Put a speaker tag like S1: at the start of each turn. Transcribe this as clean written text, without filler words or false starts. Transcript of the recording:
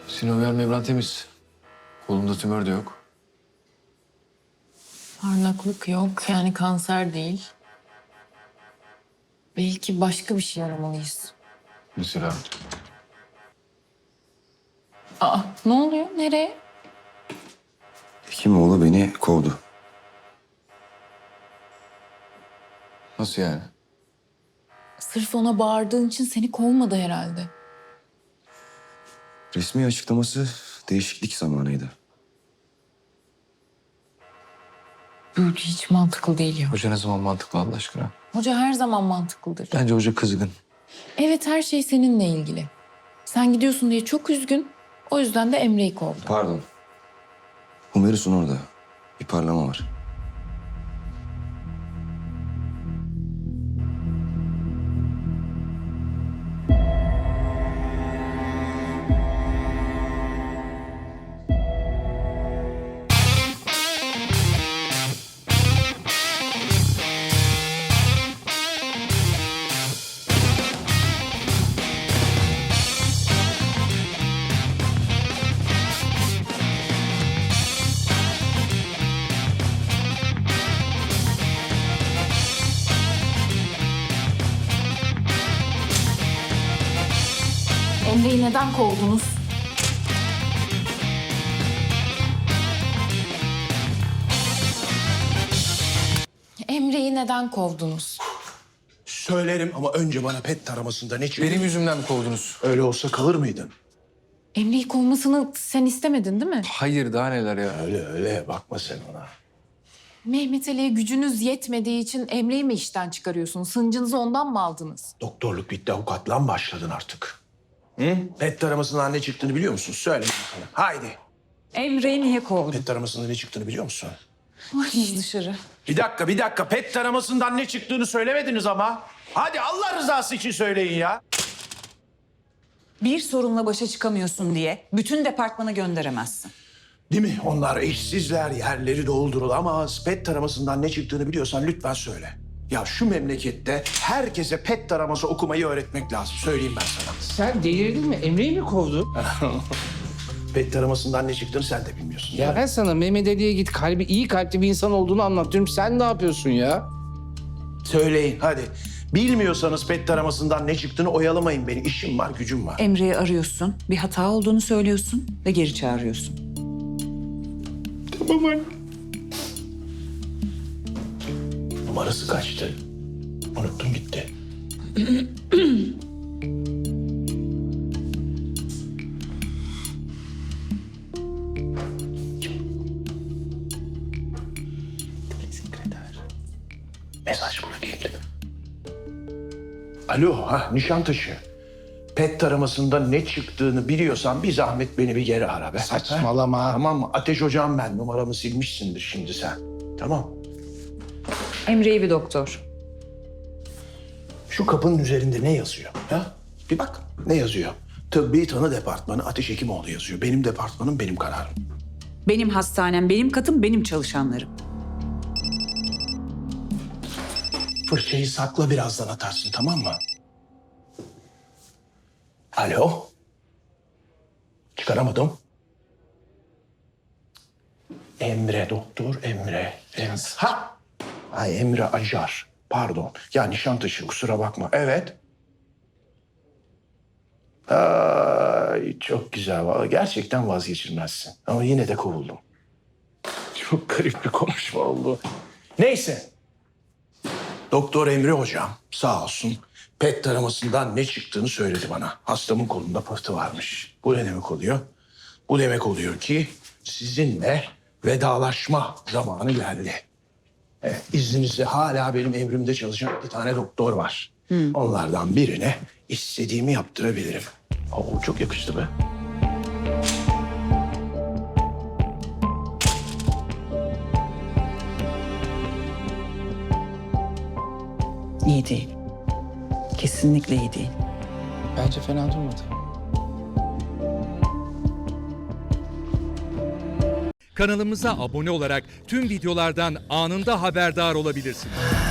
S1: Sinovial membran temiz. Kolunda tümör de yok.
S2: Parlaklık yok, yani kanser değil. Belki başka bir şey aramalıyız.
S1: Mesela
S2: Aa, ne oluyor? Nereye?
S3: Hekimoğlu beni kovdu.
S1: nasıl yani?
S2: Sırf ona bağırdığın için seni kovmadı herhalde.
S3: Resmi açıklaması değişiklik zamanıydı.
S2: Bu hiç mantıklı değil ya.
S1: Hoca ne zaman mantıklı Allah aşkına?
S2: Hoca her zaman mantıklıdır.
S1: Bence hoca kızgın.
S2: Evet, her şey seninle ilgili. Sen gidiyorsun diye çok üzgün. O yüzden de Emre'yi kovdu.
S3: Pardon. Humerus'un orada. Bir parlama var.
S2: Emre'yi neden kovdunuz? Emre'yi neden kovdunuz?
S4: Söylerim ama önce bana pet taramasında ne çıktı?
S1: Benim yüzümden mi kovdunuz?
S4: Öyle olsa kalır mıydın?
S2: Emre'yi kovmasını sen istemedin değil mi?
S1: Hayır, daha neler ya.
S4: Öyle bakma sen ona.
S2: Mehmet Ali'ye gücünüz yetmediği için Emre'yi mi işten çıkarıyorsunuz? Sıncınızı ondan mı aldınız?
S4: Doktorluk bitti, avukatlığa mı başladın artık? Hı? Pet taramasından ne çıktığını biliyor musun? Söyle bakalım. Haydi.
S5: Emre'yi niye kovdun?
S4: Pet taramasında ne çıktığını biliyor musun?
S2: Ay dışarı.
S4: Bir dakika. Pet taramasından ne çıktığını söylemediniz ama. Hadi Allah rızası için söyleyin ya.
S5: Bir sorunla başa çıkamıyorsun diye bütün departmanı gönderemezsin.
S4: Değil mi? Onlar işsizler, yerleri doldurulamaz. Pet taramasından ne çıktığını biliyorsan lütfen söyle. Ya şu memlekette herkese pet taraması okumayı öğretmek lazım. Söyleyeyim ben sana.
S6: Sen delirdin mi? Emre'yi mi kovdun?
S4: Pet taramasından ne çıktığını sen de bilmiyorsun.
S6: Ya ben sana Mehmet Ali'ye git iyi kalpli bir insan olduğunu anlatıyorum. Sen ne yapıyorsun ya?
S4: Söyleyin hadi. Bilmiyorsanız pet taramasından ne çıktığını oyalamayın beni. İşim var, gücüm var.
S5: Emre'yi arıyorsun, bir hata olduğunu söylüyorsun ve geri çağırıyorsun.
S4: Tamam anne. Numarası kaçtı? Unuttum gitti. Sekreter. Mesaj bırakayım. Alo, Nişantaşı. Pet taramasında ne çıktığını biliyorsan bir zahmet beni bir geri ara be.
S6: Saçmalama.
S4: Ha? Tamam mı? Ateş Hocam ben. Numaramı silmişsindir şimdi sen. Tamam.
S5: Emre'yi bir doktor.
S4: Şu kapının üzerinde ne yazıyor? Ha? Bir bak. Ne yazıyor? Tıbbi Tanı Departmanı Ateş Hekimoğlu yazıyor. Benim departmanım, benim kararım.
S5: Benim hastanem, benim katım, benim çalışanlarım.
S4: Fırçayı sakla, birazdan atarsın, tamam mı? Alo? Çıkaramadım. Emre, doktor Emre. Ha! Ay Emre Acar. Pardon. Ya Nişantaşı, kusura bakma. Evet. Ay çok güzel. Vallahi gerçekten vazgeçilmezsin. Ama yine de kovuldum. Çok garip bir konuşma oldu. Neyse. Doktor Emre hocam sağ olsun pet taramasından ne çıktığını söyledi bana. Hastamın kolunda pıhtı varmış. Bu ne demek oluyor? Bu demek oluyor ki sizinle vedalaşma zamanı geldi. Evet, izninizle hala benim emrimde çalışan 2 tane doktor var. Onlardan birine istediğimi yaptırabilirim. Oo, çok yakıştı be.
S5: İyi değil. Kesinlikle iyi değil.
S6: Bence fena durmadı.
S7: Kanalımıza abone olarak tüm videolardan anında haberdar olabilirsiniz.